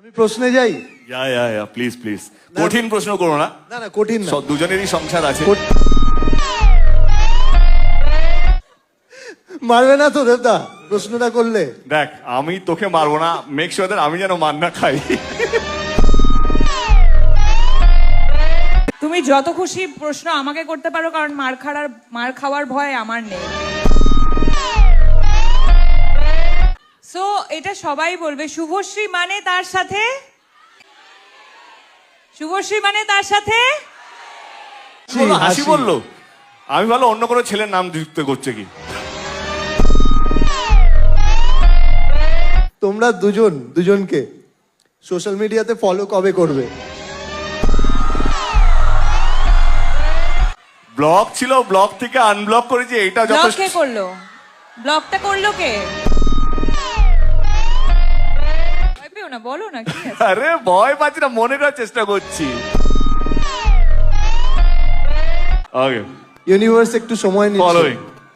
আমি প্রশ্নে যাই। ইয়া প্লিজ প্লিজ, কঠিন প্রশ্ন করো না। না না কঠিন না, দুজনেরই সংসার আছে। মারবে না তো দেবদা প্রশ্নটা করলে? দেখ, আমি তোকে মারবো না, মেক শিওর দ্যাট আমি যেন মার না খাই। তুমি যত খুশি প্রশ্ন আমাকে করতে পারো, কারণ মার খাওয়ার ভয় আমার নেই। সো এটা সবাই বলবে, শুভশ্রী মানে তার সাথে, শুভশ্রী মানে তার সাথে বললো, হাসি বললো। আমি ভালো অন্য কোনো ছেলের নাম যুক্ত করছে কি। তোমরা দুজনকে সোশ্যাল মিডিয়াতে ফলো কবে করবে? ব্লক ছিল, ব্লক থেকে আনব্লক করেছি, এটা ব্লক যথেষ্ট। কে করলো? ব্লকটা করলো কে? ভয় পেও না, বলো না কি আছে। আরে ভয় পাচ্ছি না, মনে করার চেষ্টা করছি। ওকে, ইউনিভার্স একটু সময় নিচ্ছে। ফলোইং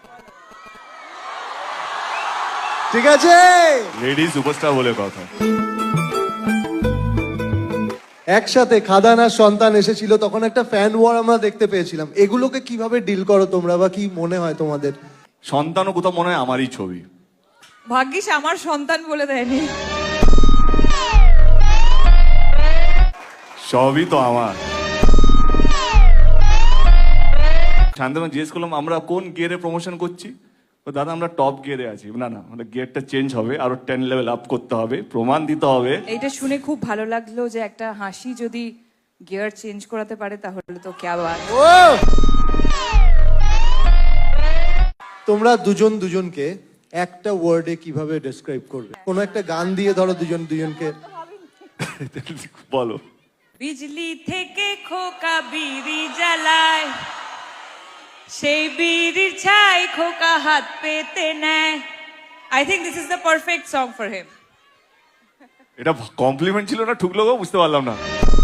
ঠিক আছে, লেডি সুপারস্টার বলে কথা। একসাথে খাদান আর সন্তান এসেছিল, তখন একটা ফ্যান ওয়ার আমরা দেখতে পেয়েছিলাম। এগুলোকে কিভাবে ডিল করো তোমরা, বা কি মনে হয় তোমাদের? সন্তানও কোথাও মনে হয় আমারই ছবি। ভাগ্যিস আমার সন্তান বলে দেয়নি। সবই তো আমার। শান্তনু জিজ্ঞেস করলাম আমরা কোন গিয়ারে প্রমোশন করছি। তো দাদা আমরা টপ গিয়ারে আছি। না না, আমাদের গিয়ারটা চেঞ্জ হবে, আরো 10 লেভেল আপ করতে হবে, প্রমাণ দিতে হবে। এইটা শুনে খুব ভালো লাগলো যে একটা হাসি যদি গিয়ার চেঞ্জ করাতে পারে তাহলে তো ক্যা বাত। তোমরা দুজনকে একটা ওয়ার্ডে কিভাবে ডেসক্রাইব করবে? কোনো একটা গান দিয়ে ধরো দুজনকে। বলো। বিজলি থেকে খোকা বিড়ি জ্বালায়, সেই বিড়ির ছাই খোকা হাত পেতে নেয়। I think this is the perfect song for him. এটা কমপ্লিমেন্ট ছিল না ঠুকলো গো, বুঝতে পারলাম না।